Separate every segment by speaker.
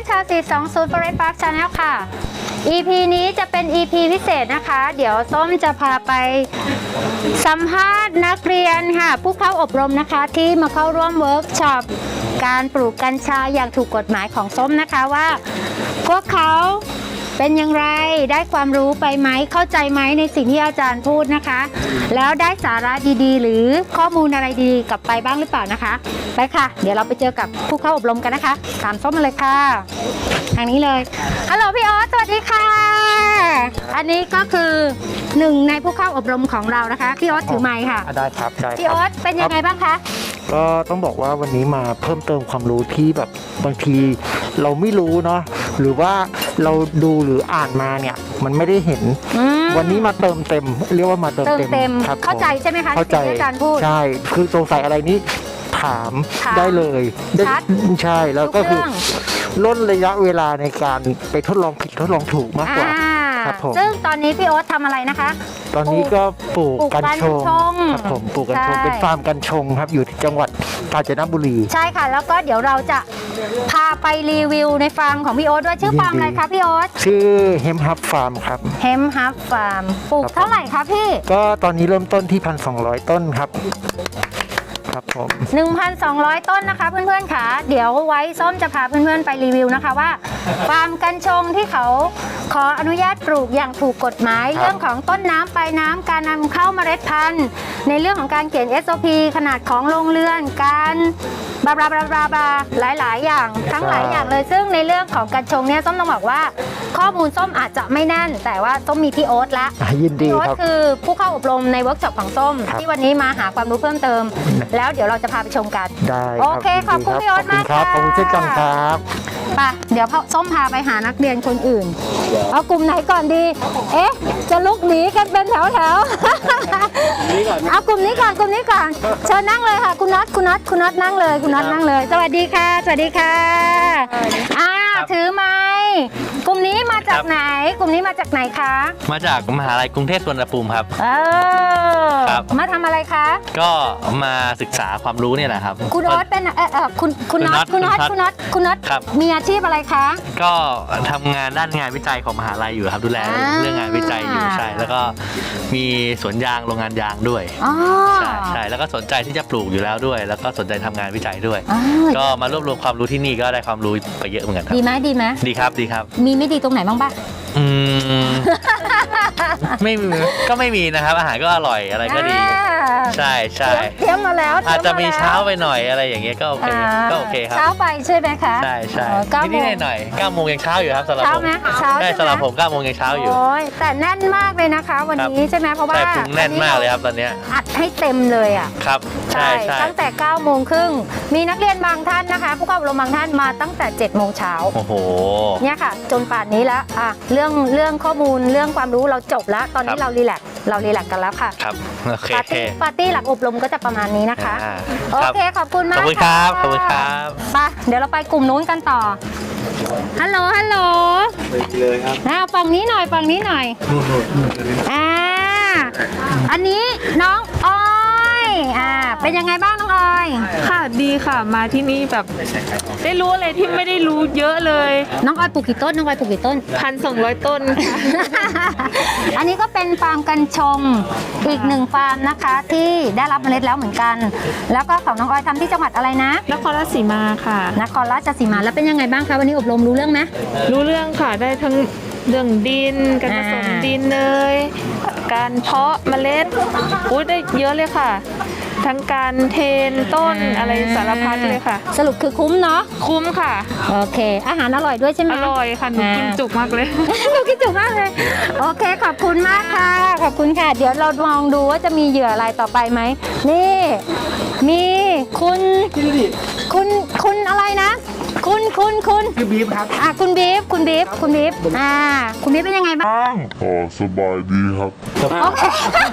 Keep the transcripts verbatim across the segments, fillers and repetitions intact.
Speaker 1: ๆชาวสี่สองศูนย์ Forest Park Channel ค่ะ อี พี นี้จะเป็น อี พี พิเศษนะคะ เดี๋ยวส้มจะพาไปสัมภาษณ์นักเรียนค่ะ ผู้เข้าอบรมนะคะที่มาเข้าร่วมเวิร์กช็อปการปลูกกัญชาอย่างถูกกฎหมายของส้มนะคะว่าพวกเขาเป็นอย่างไรได้ความรู้ไปไหมเข้าใจไหมในสิ่งที่อาจารย์พูดนะคะ แล้วได้สาระดีๆหรือข้อมูลอะไรดีๆกลับไปบ้างหรือเปล่านะคะไปค่ะเดี๋ยวเราไปเจอกับผู้เข้าอบรมกันนะคะตามส้มมาเลยค่ะทางนี้เลยฮัลโหลพี่ออสสวัสดีค่ะอันนี้ก็คือหนึ่งในผู้เข้าอบรมของเรานะคะพี่ออสถือไมค์ค่ะ
Speaker 2: ได้ครับได้ครับ
Speaker 1: พี่ออสเป็นยังไงบ้างคะ
Speaker 2: ก็ต้องบอกว่าวันนี้มาเพิ่มเติมความรู้ที่แบบบางทีเราไม่รู้เนาะหรือว่าเราดูหรืออ่านมาเนี่ยมันไม่ได้เห็นวันนี้มาเติมเต็มเรียกว่ามาเติมเต็ม
Speaker 1: เต็ม
Speaker 2: ครับ
Speaker 1: เข้าใจใช่ไหมคะ
Speaker 2: เข้าใจ
Speaker 1: ที่อาจารย์พูด
Speaker 2: ใช่คือสงสัยอะไรนี้ถาม
Speaker 1: ถาม
Speaker 2: ได้เลยได้
Speaker 1: ชัด
Speaker 2: ใช่แล้วก็คือ
Speaker 1: ทุกเรื่อง
Speaker 2: ลดระยะเวลาในการไปทดลองผิดทดลองถูกมากกว่า
Speaker 1: อ่า
Speaker 2: ครับผม
Speaker 1: ซึ่งตอนนี้พี่โอ๊ตทำอะไรนะคะ
Speaker 2: ตอนนี้ก็ปลูก
Speaker 1: ปลูก
Speaker 2: กัญชง
Speaker 1: กัญชง
Speaker 2: ครับผมปลูกกัญชง
Speaker 1: ใช่
Speaker 2: เป็นฟาร์มกัญชงครับอยู่ที่จังหวัดกาญจนบุรี
Speaker 1: ใช่ค่ะแล้วก็เดี๋ยวเราจะพาไปรีวิวในฟาร์มของพี่โอ๊ตด้วยชื่อฟาร์มอะไรคะพี่โอ๊ต
Speaker 2: ชื่อเฮมฮับฟาร์มครับ
Speaker 1: เฮมฮับฟาร์มปลูก
Speaker 2: ครับ
Speaker 1: เท่าไหร่คะพี่
Speaker 2: ก็ตอนนี้เริ่มต้นที่ หนึ่งพันสองร้อย ต้นครับครับผม
Speaker 1: หนึ่งพันสองร้อย ต้นนะคะเพื่อนๆค่ะเดี๋ยวไว้ส้มจะพาเพื่อนๆไปรีวิวนะคะว่าฟาร์มกัญชงที่เขาขออนุญาตปลูกอย่างถูกกฎหมาย
Speaker 2: ครับ
Speaker 1: เรื่องของต้นน้ำปลายน้ำการนำเข้าเมล็ดพันธุ์ในเรื่องของการเขียน เอส โอ พี ขนาดของโรงเรือนการบลาบลาบลาบลาบลาหลายๆ อย่างทั้งหลายอย่างเลยซึ่งในเรื่องของกัญชงเนี่ยส้มต้องบอกว่าข้อมูลส้มอาจจะไม่แน่นแต่ว่าส้มมีพี่โอ๊ตละ
Speaker 2: อ่ะยินดี
Speaker 1: พี่โอ๊ต
Speaker 2: ครับ
Speaker 1: คือผู้เข้าอบรมในเวิร์กช็อปของส้ม
Speaker 2: ครับ
Speaker 1: ที่วันนี้มาหาความรู้เพิ่มเติม แล้วเดี๋ยวเราจะพาไปชมกัน
Speaker 2: ได้
Speaker 1: โอเคขอบคุณพี่โอ๊ตมาก
Speaker 2: ครับ
Speaker 1: ค่ะ
Speaker 2: ขอบคุณเช่นกันครับ
Speaker 1: ไปเดี๋ยวส้มพาไปหานักเรียนคนอื่น เอากลุ่มไหนก่อนดี เอ๊ะ จะลุกหนีกันเป็นแถวแถวๆเอากลุ่มนี้ก่อนกลุ่มนี้ก่อนเชิญนั่งเลยค่ะ คุณน็อตคุณน็อตคุณน็อตนั่งเลยคุณน็อตนั่งเลย สวัสดีค่ะ สวัสดีค่ะอ่าถือไม้กลุ่มนี้มาจากไหน กลุ่มนี้มาจากไหนคะ
Speaker 3: มาจากมหาลัยกรุงเทพสวนภูมิครับ
Speaker 1: เออ
Speaker 3: ครับ
Speaker 1: มาทำอะไรคะ
Speaker 3: ก็มาศึกษาความรู้เนี่ยแหละครับ
Speaker 1: คุณโอ๊ตเป็นเออเออคุณคุณน็อต
Speaker 3: คุ
Speaker 1: คุณ
Speaker 3: ณน็
Speaker 1: น็อ
Speaker 3: อ
Speaker 1: ต
Speaker 3: ต
Speaker 1: คุณน็อตคุณน็อต
Speaker 3: ครับ
Speaker 1: มีอาชีพอะไรคะ
Speaker 3: ก็ทำงานด้านงานวิจัยของมหาลัยอยู่ครับดูแล
Speaker 1: อ่า
Speaker 3: เรื่องงานวิจัยอยู่ใช่แล้วก็มีสวนยางโรงงานยางด้วย
Speaker 1: อ๋อ
Speaker 3: ใช่ใช่แล้วก็สนใจที่จะปลูกอยู่แล้วด้วย แล้วก็สนใจทำงานวิจัยด้วย
Speaker 1: อ๋อ
Speaker 3: ก็มารวบรวมความรู้ที่นี่ก็ได้ความรู้ไปเยอะเหมือนกันครับ
Speaker 1: ดีไหมดีไหม
Speaker 3: ดีครับดีครับ
Speaker 1: มีไม่ดีตรงไหนบ้างปะ
Speaker 3: อืม ไม่มีก็ไม่มีนะครับ อาหารก็อร่อยอะไรก็ดี
Speaker 1: อ่า
Speaker 3: ใช่ใช่
Speaker 1: เตรียมมาแล้ว
Speaker 3: อาจจะมี
Speaker 1: ตรีย
Speaker 3: เช้า
Speaker 1: แล้ว
Speaker 3: ไปหน่อยอะไรอย่างเงี้ยก็โอเค
Speaker 1: อ่า
Speaker 3: ก็โอเคครับ
Speaker 1: เช้าไปใช่ไหมคะ
Speaker 3: ใช่ใช่
Speaker 1: อ๋อเก้าโม
Speaker 3: นิด
Speaker 1: ง
Speaker 3: ๆหน่อยๆเก้าโมงยังเช้าอยู่ครับสำหรับ
Speaker 1: เช้า
Speaker 3: ผม
Speaker 1: ไหมเช้า
Speaker 3: ได้
Speaker 1: ใช่ไหม
Speaker 3: สำหรับผมเก้าโมงยังเช้าอยู่
Speaker 1: โอ้ยแต่แน่นมากเลยนะคะ วันนี้ใช่ไหมเพราะว่า
Speaker 3: ใช่พุงแน่นมากเลยครับตอนเนี้ย
Speaker 1: อัดให้เต็มเลยอ่ะ
Speaker 3: ครับใช่ใช่
Speaker 1: ตั้งแต่เก้าโมงครึ่งมีนักเรียนบางท่านนะคะ ผู้เข้าอบรมบางท่านมาตั้งแต่เจ็ดโมงเช้า
Speaker 3: โอ้โห
Speaker 1: เนี่ยค่ะ จนป่านนี้แล้วอ่ะเรื่องเรื่องข้อมูลเรื่องความรู้เราจบแล้ว ตอนนี้
Speaker 3: ครับ
Speaker 1: เรารีแลกซ์เรารีแลกซ์กันแล้วค่ะ
Speaker 3: ครับโอเค
Speaker 1: ปาร์ตี้ปาร์ตี้หลังอบรมก็จะประมาณนี้นะคะ
Speaker 3: อ่า
Speaker 1: โอ
Speaker 3: ครับ
Speaker 1: เคขอบคุณมาก
Speaker 3: ขอบคุณครับ
Speaker 1: ะ
Speaker 3: ขอบคุณครับ
Speaker 1: ไปเดี๋ยวเราไปกลุ่มนู้นกันต่อฮัลโหลฮัลโหลเลยครับอ่าฝั่งนี้หน่อยฝั่งนี้หน่อยอ่าอันนี้น้องออยอ่าเป็นยังไงบ้างน้องออย
Speaker 4: ค่ะดีค่ะมาที่นี่แบบได้รู้อะไรที่ไม่ได้รู้เยอะเลย
Speaker 1: น้องออยปลูกกี่ต้นน้องออยปลูกกี่ต้น
Speaker 4: พันสองร้อยต้นค่ะ
Speaker 1: อันนี้ก็เป็นฟาร์มกัญชงอีกหนึ่งฟาร์มนะคะที่ได้รับเมล็ดแล้วเหมือนกัน แล้วก็ของน้องออยทำที่จังหวัดอะไรนะ
Speaker 4: นครราชสีมาค่ะ
Speaker 1: นครราชสีมาแล้วเป็นยังไงบ้างคะวันนี้อบรมรู้เรื่องไหม
Speaker 4: รู้เรื่องค่ะได้ทั้งเรื่องดินการผสม
Speaker 1: อ่า
Speaker 4: ดินเนยการเพาะเมล็ดอุ้ยได้เยอะเลยค่ะ ทั้งการเทรนต้นอะไรสารพัดเลยค่ะ
Speaker 1: สรุปคือคุ้มเนาะ
Speaker 4: คุ้มค่ะ
Speaker 1: โอเค อาหารอร่อยด้วยใช่ไหม
Speaker 4: อร่อยค่ะหนูกินจุกมากเลย
Speaker 1: หนูคิดจุกมากเลยโอเคขอบคุณมากค่ะขอบคุณค่ะ เดี๋ยวเราลองดูว่าจะมีเหยื่ออะไรต่อไปไหมนี่มีคุณคุณคุณอะไรนะ คุณคุณคุณคือบีฟครับอ่ะคุณบีฟคุณบีฟคุณบีฟอ่าคุณบีฟเป็นยังไงบ้าง
Speaker 5: อ๋อสบายดีครับ
Speaker 1: โอเค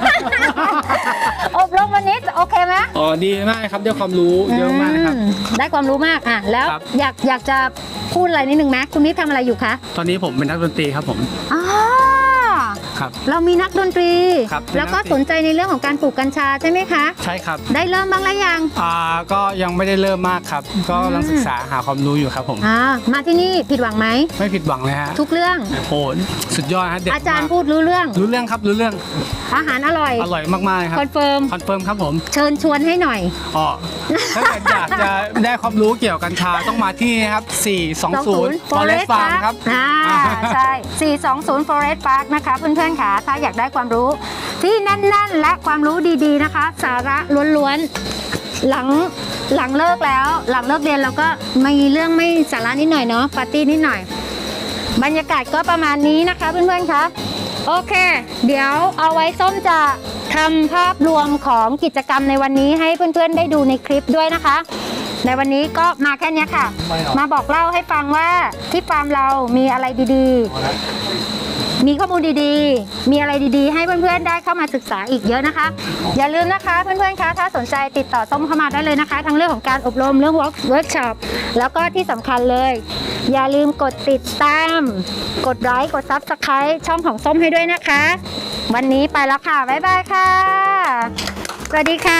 Speaker 1: อบรมวันนี้โอเคไหม
Speaker 6: อ๋อดีมากครับได้ความรู้เยอะมากนะครับ
Speaker 1: อืมได้ความรู้มากอ่ะแล้ว
Speaker 6: ครับ
Speaker 1: อยากอยากจะพูดอะไรนิดนึงไหมคุณบีฟทำอะไรอยู่คะ
Speaker 6: ตอนนี้ผมเป็นนักดนตรีครับผม
Speaker 1: อ๋อ
Speaker 6: ครับ
Speaker 1: เรามีนักดนตรี
Speaker 6: ครับ
Speaker 1: แล้วก็สนใจในเรื่องของการปลูกกัญชาใช่ไหมคะ
Speaker 6: ใช่ครับ
Speaker 1: ได้เริ่มบ้างแล้วยัง
Speaker 6: อ่าก็ยังไม่ได้เริ่มมากครับ ก็กำลังศึกษาหาความรู้อยู่ครับผม
Speaker 1: อ่ามาที่นี่ผิดหวังไหม
Speaker 6: ไม่ผิดหวังเลยฮะ
Speaker 1: ทุกเรื่อง
Speaker 6: โอ้สุดยอดฮะเด็ด
Speaker 1: อาจารย์
Speaker 6: มก
Speaker 1: พูดรู้เรื่อง
Speaker 6: รู้เรื่องครับรู้เรื่อง
Speaker 1: อาหารอร่อย
Speaker 6: อร่อยมากๆเลยครับ
Speaker 1: คอนเฟิร์ม
Speaker 6: คอนเฟิร์มครับผม
Speaker 1: เชิญชวนให้หน่อย
Speaker 6: อ๋อถ้าเกิดอยากจะได้ความรู้เกี่ยวกับกัญชาต้องมาที่นี่ครับสี่สองศูนย์ Forest Farm ครับ
Speaker 1: อ่าใช่ สี่สองศูนย์ Forest Park นะคะเพื่อนๆค่ะถ้าอยากได้ความรู้ที่แน่นๆ และความรู้ดีๆนะคะ สาระล้วนๆ หลังหลังเลิกแล้ว หลังเลิกเรียนเราก็มีเรื่องไม่สาระนิดหน่อยเนาะปาร์ตี้นิดหน่อย บรรยากาศก็ประมาณนี้นะคะเพื่อนๆคะโอเค เดี๋ยวเอาไว้ส้มจะทำภาพรวมของกิจกรรมในวันนี้ให้เพื่อนๆได้ดูในคลิปด้วยนะคะ ในวันนี้ก็มาแค่นี้ค่ะ มาบอกเล่าให้ฟังว่าที่ฟาร์มเรามีอะไรดีๆ มีข้อมูลดีๆ มีอะไรดีๆ ให้เพื่อนๆได้เข้ามาศึกษาอีกเยอะนะคะ อย่าลืมนะคะเพื่อนๆคะถ้าสนใจติดต่อส้มเข้ามาได้เลยนะคะ ทั้งเรื่องของการอบรมเรื่อง work workshop แล้วก็ที่สำคัญเลย อย่าลืมกดติดตาม กดไลค์กด ซับสไครบ์ ช่องของส้มให้ด้วยนะคะ วันนี้ไปแล้วค่ะ บ๊ายบายค่ะ สวัสดีค่ะ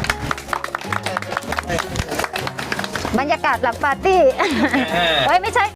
Speaker 1: บรรยากาศหลังปาร์ตี้ เฮ้ยไม่ใช่